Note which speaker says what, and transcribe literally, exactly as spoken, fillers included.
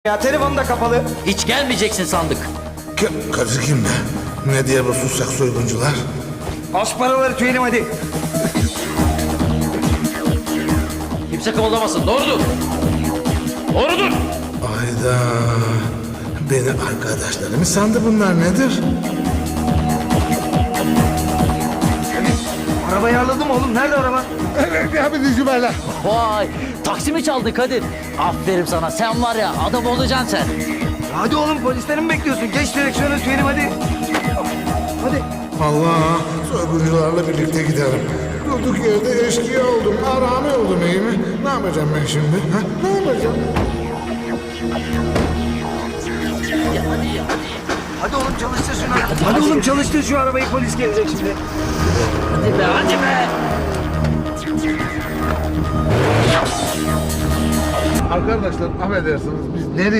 Speaker 1: Ya telefon da kapalı.
Speaker 2: Hiç gelmeyeceksin sandık.
Speaker 3: Kim, karısı kim be? Ne diye bu sussak soyguncular?
Speaker 1: Aç paraları tüyelim hadi.
Speaker 2: Kimse kımıldamasın. Doğrudur. Doğrudur.
Speaker 3: Ayda. Beni arkadaşları mı sandı bunlar nedir?
Speaker 1: Arabayı ayarladım oğlum. Nerede araba?
Speaker 3: Hadi Zübeyler.
Speaker 2: Vay. Taksi mi çaldı Kadir? Aferin sana. Sen var ya adam olacaksın sen.
Speaker 1: Hadi oğlum polisleri mi bekliyorsun? Geç direksiyona tüyelim hadi. Hadi.
Speaker 3: Allah, soyguncularla birlikte gidelim. Durduk yerde eşkıya oldum, arami oldum iyi mi? Ne yapacağım ben şimdi? Ha? Ne yapacağım?
Speaker 1: Hadi oğlum çalıştır şunu. Hadi oğlum çalıştır şu arabayı, polis gelecek şimdi.
Speaker 2: Hadi be hadi be.
Speaker 3: Arkadaşlar affedersiniz biz nereye